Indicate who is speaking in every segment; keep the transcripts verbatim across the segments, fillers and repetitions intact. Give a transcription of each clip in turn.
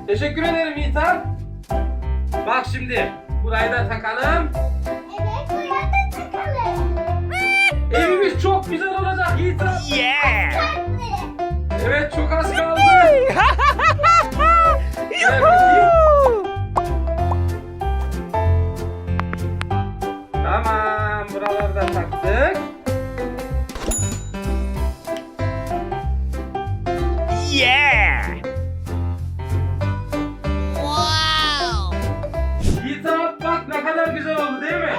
Speaker 1: Teşekkür ederim Yiğitan. Bak şimdi burayı da takalım.
Speaker 2: Evet, buraya da takalım.
Speaker 1: Evimiz çok güzel olacak Yiğitan.
Speaker 3: Yeah!
Speaker 2: Kalpleri.
Speaker 1: Evet, çok az kaldı. Gel bakayım. Tamam, buraları da taktık.
Speaker 3: Yeah!
Speaker 1: Yiğitan bak ne kadar güzel oldu değil mi?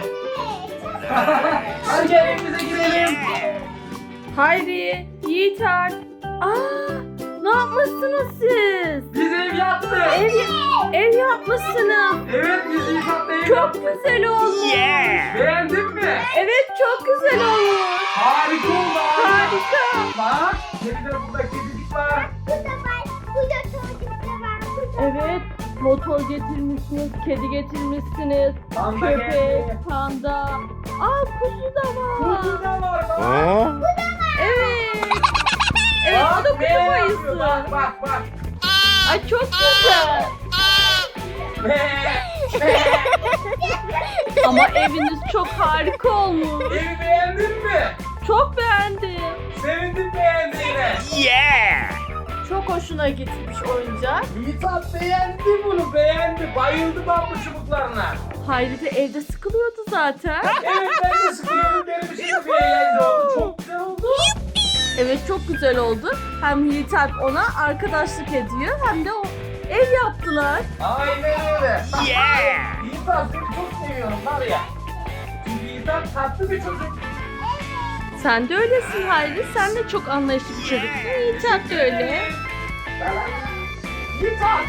Speaker 1: Hadi gel evimize girelim.
Speaker 4: Hayri, Yiğiter. Aa, ne yapmışsınız siz?
Speaker 1: Biz ev yaptık.
Speaker 4: Ev, ev yapmışsınız.
Speaker 1: Evet, biz Yiğitan'la ev
Speaker 4: Çok
Speaker 1: yaptık.
Speaker 4: güzel olmuş.
Speaker 3: Yeah!
Speaker 1: Beğendin mi?
Speaker 4: Evet, çok güzel olmuş.
Speaker 1: Harika oldu.
Speaker 4: Harika.
Speaker 1: Bak, bir de burada kedicik var.
Speaker 2: Burada var, burada çocuklar var. Burada
Speaker 4: Evet, motor getirmişsiniz, kedi getirmişsiniz,
Speaker 1: Panda
Speaker 4: köpek,
Speaker 1: geldi.
Speaker 4: panda. Aa, kuzu da var.
Speaker 1: Kuzu da var bak.
Speaker 3: Huh?
Speaker 4: Evet. Evet, o da
Speaker 1: Bak, ne
Speaker 4: kuzu
Speaker 1: yapıyor?
Speaker 4: bayısı.
Speaker 1: Bak bak bak.
Speaker 4: Ay, çok güzel.
Speaker 1: Be, be.
Speaker 4: Ama eviniz çok harika olmuş.
Speaker 1: Evi beğendin mi?
Speaker 4: Çok beğendim.
Speaker 1: Sevindim beğendiğine.
Speaker 3: Yeah!
Speaker 4: Çok hoşuna gitmiş oyuncak.
Speaker 1: Yiğitan beğendi bunu, beğendi. Bayıldı bambu çubuklarına.
Speaker 4: Hayri de evde sıkılıyordu zaten.
Speaker 1: Evet, ben de sıkıyorum. Benim için de bir eğlence oldu. Çok güzel oldu.
Speaker 4: Evet, çok güzel oldu. Hem Yiğit Alp ona arkadaşlık ediyor hem de o ev yaptılar.
Speaker 1: Aynen öyle.
Speaker 3: Yeah!
Speaker 1: Yiğitan seni çok seviyorum var ya. Çünkü Yiğitan tatlı bir çocuk.
Speaker 4: Sen de öylesin Hayri. Sen de çok anlayışlı bir çocuksun. Yiğit Alp de öyle.
Speaker 1: Yiğitan.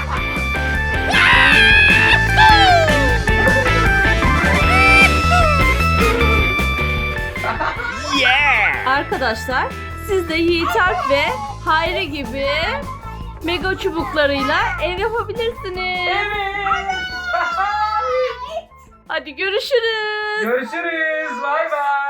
Speaker 3: Yeah!
Speaker 4: Arkadaşlar siz de Yiğit Alp ve Hayri gibi mega çubuklarıyla ev yapabilirsiniz.
Speaker 1: Evet.
Speaker 4: Hadi görüşürüz.
Speaker 1: Görüşürüz. Bay bay.